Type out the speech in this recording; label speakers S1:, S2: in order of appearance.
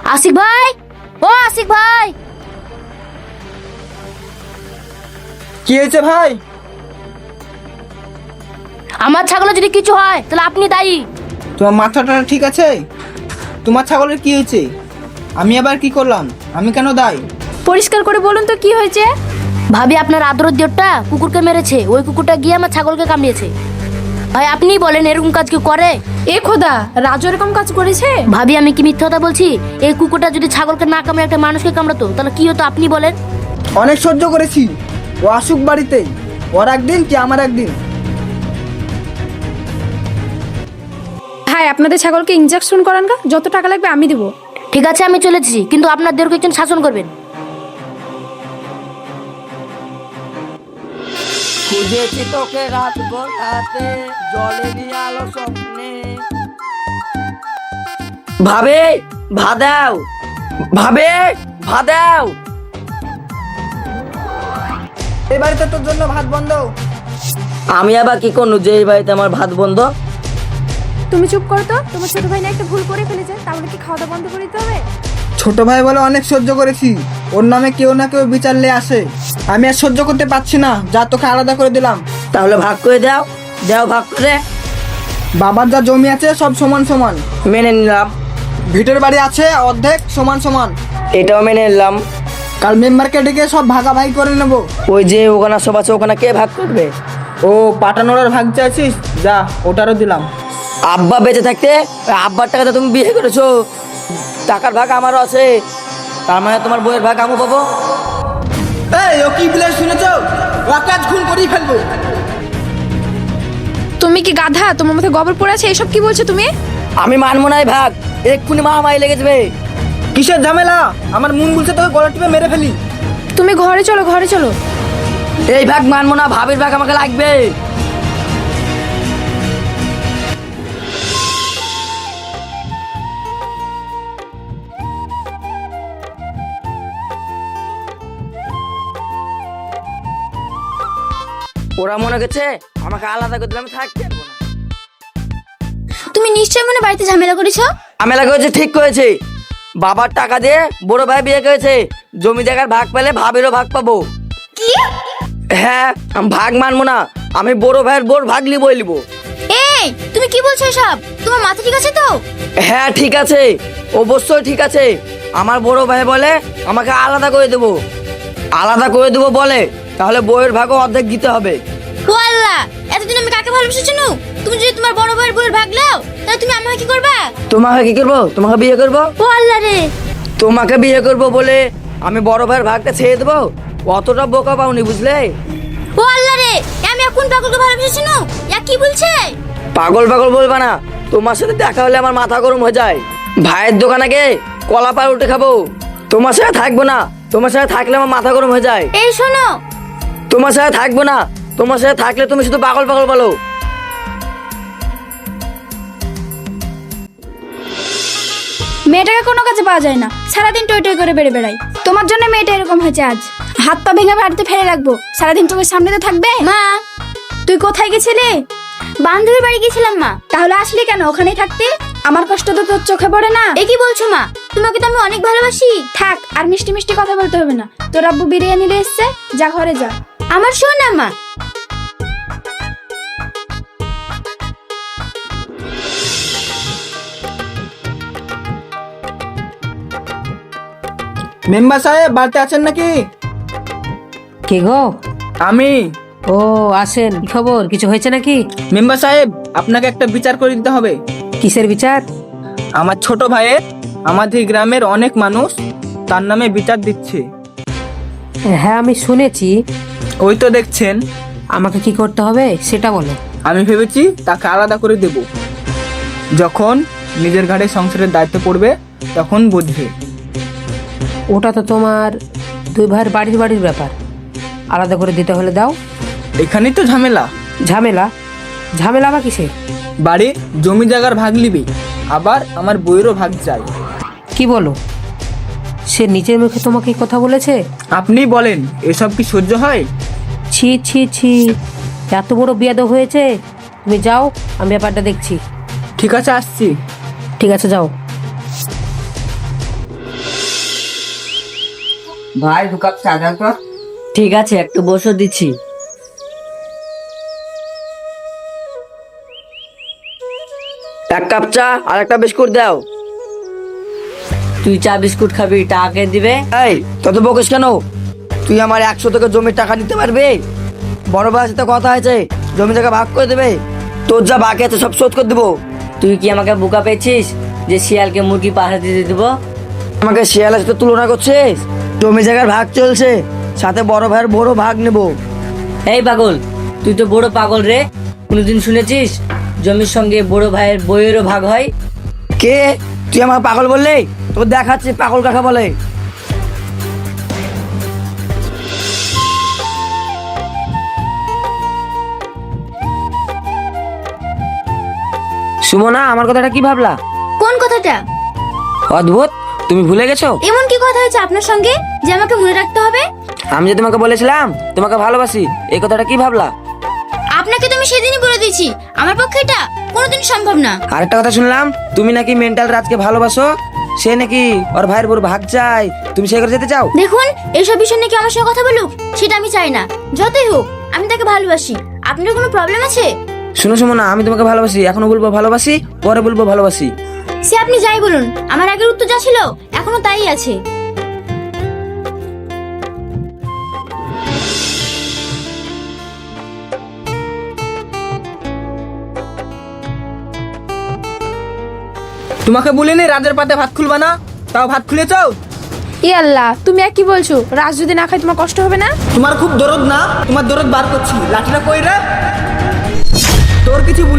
S1: আশিক ভাই, ও আশিক ভাই,
S2: কি হয়েছে ভাই?
S1: আমার ছাগলের যদি কিছু হয় তাহলে আপনি দায়ী।
S2: তোমার মাথাটা ঠিক আছে? তোমার ছাগলের কি হয়েছে? আমি আবার কি করলাম? আমি কেন দায়ী?
S3: পরিষ্কার করে বলুন তো কি হয়েছে?
S1: ভাবি আপনার আদরের দেওরটা কুকুরকে মেরেছে, ওই কুকুরটা গিয়ে আমার ছাগলকে কামড়িয়েছে। ভাই আপনি বলেন এরকম কাজ কি করে?
S3: এ খোদা, রাজু এরকম কাজ করেছে?
S1: ভাবি আমি কি মিথ্যা কথা বলছি? এই কুকুরটা যদি ছাগলকে না কামড়ে একটা মানুষকে কামড়াতো তাহলে কি হতো আপনি বলেন?
S2: অনেক সহ্য করেছি, ও আসুক বাড়িতেই, ওর একদিন কি আমার একদিন।
S3: হ্যাঁ, আপনাদের ছাগলকে ইনজেকশন করান গা, যত টাকা লাগবে আমি দেবো।
S1: ঠিক আছে আমি চলেছি, কিন্তু আপনার দেরকে একজন শাসন করবেন।
S4: খুঁজেছি তোকে রাত রাতে, জলেরই আলো স্বপ্নে। ভাবে ভাদাও, ভাবে ভাদাও।
S2: এই বাড়িতে তোর জন্য ভাত বন্ধ।
S4: আমি আবার কি করবো যে এই বাড়িতে আমার ভাত বন্ধ?
S3: তুমি চুপ করো তো, তোমার ছোট ভাই না একটা ভুল করে ফেলেছে, তাহলে কি খাওয়া দাওয়া বন্ধ করে দিতে হবে?
S2: ছোট ভাই বলে অনেক সহ্য করেছি, ওর নামে কেউ না কেউ বিচার নিয়ে আসে। আমি আর সহ্য করতে পারছি না, যা তোকে আলাদা করে দিলাম।
S4: তাহলে ভাগ করে দাও, দাও ভাগ করে।
S2: বাবার যা জমি আছে সব সমান সমান,
S4: মেনে নিলাম।
S2: ভিটের বাড়ি আছে অর্ধেক সমান সমান।
S4: এটাও মেনে নিলাম।
S2: কাল মেম্বারকে ডেকে সব ভাগাভাগি করে নেবো।
S4: ওই যে ওখানে সব আছে, ওখানে কে ভাগ করবে?
S2: ও পাটানোর ভাগ চাইছিস, যা ওটারও দিলাম।
S4: আব্বা বেঁচে থাকতে ওই আব্বার টাকাতে তুমি বিয়ে করেছো, টাকার ভাগ আমারও আছে, তার মানে তোমার বইয়ের ভাগ আমি পাবো।
S2: এই ও কি বলে শুনেছো? ওকে আজ খুন করেই ফেলবো।
S3: তুমি কি গাধা? তোমার মাথায় গোবর পড়ে আছে? এসব কি বলছো তুমি?
S4: আমি মানবো না এই ভাগ, এক্ষুনি মারামারি লেগে যাবে।
S2: কিসের ঝামেলা? আমার মন বলছে তোকে গলা টিপে মেরে ফেলি।
S3: তুমি ঘরে চলো, ঘরে চলো।
S4: এই ভাগ মানবো না, ভাবির ভাগ আমাকে লাগবে। ওরা মনে করছে আমাকে আলাদা করে দিলে আমি থাকতে পারবো না।
S1: তুমি নিশ্চয়ই মনে বাড়িতে ঝামেলা করেছো।
S4: ঝামেলা করেছে, ঠিক করেছে। বাবার টাকা দিয়ে বড় ভাই বিয়ে করেছে, জমি জায়গার ভাগ পেলে ভাবিরও ভাগ পাবো।
S1: কি?
S4: হ্যাঁ, আমি ভাগ মানবো না, আমি বড় ভাইয়ের বোর ভাগ লিবই লিবো।
S1: এই তুমি কি বলছো এসব? তোমার মাথা ঠিক আছে তো?
S4: হ্যাঁ ঠিক আছে, অবশ্যই ঠিক আছে। আমার বড় ভাই বলে আমাকে আলাদা করে দেবো, আলাদা করে দেবো বলে, তাহলে বইয়ের ভাগও অর্ধেক দিতে হবে।
S1: ও আল্লাহ, এতদিন আমি কাকে ভালোবেসেছি নু? তুমি যদি তোমার বড় ভাইয়ের বউয়ের ভাগ নাও তাহলে তুমি আমাকে কি করবা?
S4: তোমাকে কি করবো? তোমাকে বিয়ে করবো।
S1: ও আল্লাহ রে,
S4: তোমাকে বিয়ে করবো বলে আমি বড় ভাইয়ের ভাগটা ছেড়ে দেবো? অতটা বোকা পাওনি, বুঝলে?
S1: ও আল্লাহ রে, আমি এখন পাগলকে ভালোবেসেছি নু? ইয়া কি বলছে?
S4: পাগল পাগল বলবা না, তোমার সাথে দেখা হলে আমার মাথা গরম হয়ে যায়। ভাইয়ের দোকানে গিয়ে কলা পাল উঠে খাবো, তোমার সাথে থাকবো না। তোমার সাথে থাকলে আমার মাথা গরম হয়ে যায়।
S1: এই শোনো,
S4: তোমার সাথে থাকবো না, তোমার সাথে থাকলে তুমি শুধু পাগল পাগল বলো।
S3: মেয়েটাকে কোনো কাজে পাওয়া যায় না, সারাদিন টই টই করে বেড়ে বেড়াই। তোমার জন্য মেয়েটা এরকম হয়েছে আজ। হাত পা ভেঙে বাড়িতে ফেলে রাখবো, সারাদিন তোমার সামনে তো থাকবে।
S1: মা
S3: তুই কোথায় গেছিলি?
S1: বান্ধবীর বাড়ি গেছিলাম মা।
S3: তাহলে আসলি কেন? ওখানেই থাকতে। আমার কষ্ট তো তোর চোখে পড়ে না?
S1: এ কি বলছো মা? তোমাকে তো আমি অনেক ভালোবাসি।
S3: থাক, আর মিষ্টি মিষ্টি কথা বলতে হবে না। তোর আব্বু বিরিয়ানি নিয়ে এসছে, যা ঘরে যা।
S1: আমার শোন না মা।
S2: মেম্বার সাহেব বাড়িতে আছেন নাকি?
S5: কে গো?
S2: আমি।
S5: ও আসেন, কি খবর? কিছু হয়েছে নাকি?
S2: মেম্বার সাহেব আপনাকে একটা বিচার করে দিতে হবে।
S5: কিসের বিচার?
S2: আমার ছোট ভাইয়ের আমাদের গ্রামের অনেক মানুষ তার নামে বিচার দিচ্ছে।
S5: হ্যাঁ আমি শুনেছি।
S2: ওই তো দেখছেন।
S5: আমাকে কি করতে হবে সেটা বলো।
S2: আমি ভেবেছি তাকে আলাদা করে দেব, যখন নিজের ঘাড়ে সংসারের দায়িত্ব পড়বে তখন বুঝবে।
S5: ওটা তো তোমার দুই ভাইয়ের বাড়ির বাড়ির ব্যাপার, আলাদা করে দিতে হলে দাও।
S2: এখানেই তো ঝামেলা।
S5: ঝামেলা? ঝামেলা আবার কিসের?
S2: বাড়ির জমি জায়গার ভাগ নিবি, আবার আমার বইয়েরও ভাগ চাই।
S5: কি বলো? সে নিজের মুখে তোমাকে এই কথা বলেছে?
S2: আপনি বলেন, এসব কি সহ্য হয়?
S5: ছি ছি ছি, এত বড় বিয়াদব হয়েছে। তুমি যাও, আমি ব্যাপারটা দেখছি।
S2: ঠিক আছে আসছি।
S5: ঠিক আছে যাও।
S2: ভাই 2 কাপ চা দাও তো।
S4: ঠিক আছে, একটু বসে দিচ্ছি। এক কাপ চা আর একটা বিস্কুট দাও। তুই চা বিস্কুট খাবি, টাকা কে দিবে? এই তত বকিস কেন? তুই আমার 100 থেকে জমির টাকা দিতে পারবি? বড় ভাইয়ের সাথে কথা হয়েছে, জমি জায়গা ভাগ করে দেবে। তোর যা বাকি আছে সব শোধ করে দেবো। তুই কি আমাকে বোকা পেয়েছিস যে শিয়ালকে মুরগি পাহাড়ে দিতে দেবো? আমাকে শিয়ালের সাথে তুলনা করছিস? জমি জায়গার ভাগ চলছে, সাথে বড় ভাইয়ের বড় ভাগ নেব। এই পাগল, তুই তো বড় পাগল রে। কোনোদিন শুনেছিস জমির সঙ্গে বড় ভাইয়ের বইয়েরও ভাগ হয়? কে তুই আমার পাগল বললি? তোর দেখাচ্ছি পাগল কাকা বলে। সুমনা, আমার কথাটা কি ভাবলা?
S3: কোন কথাটা?
S4: অদ্ভুত, তুমি ভুলে গেছো?
S3: এমন কি কথা হয়েছে আপনার সঙ্গে যে আমাকে মনে রাখতে হবে?
S4: আমি যে তোমাকে বলেছিলাম তোমাকে ভালোবাসি, এই কথাটা কি ভাবলা?
S3: আপনাকে তো আমি সেদিনই বলে দিয়েছি, আমার পক্ষে এটা কোনোদিন সম্ভব না।
S4: আরেকটা কথা শুনলাম, তুমি নাকি মেন্টাল রাজকে ভালোবাসো, সে নাকি ওর ভাইয়ের বড় ভাগ চাই, তুমি সে করে যেতে চাও?
S3: দেখুন, এইসব বিষয় নিয়ে কি আমার সঙ্গে কথা বলুক সেটা আমি চাই না। যতই হোক আমি তাকে ভালোবাসি। আপনার কোনো প্রবলেম আছে?
S4: শুনো সুমনা, আমি তোমাকে ভালোবাসি, এখনো বলবো ভালোবাসি, পরে বলবো ভালোবাসি।
S3: সে আপনি যাই বলুন, আমার আগের উত্তর যা ছিল এখনো তাই আছে।
S2: তোমাকে বলিনি রাজের পাতে ভাত খুলবা না, তাও ভাত খুলেছো?
S6: ই আল্লাহ, তুমি আর কি বলছো? রাজ যদি না খায় তোমার কষ্ট হবে না?
S2: তোমার খুব দরদ না, তোমার দরদ বার করছি। লাঠিটা কই রে? তোর কিছু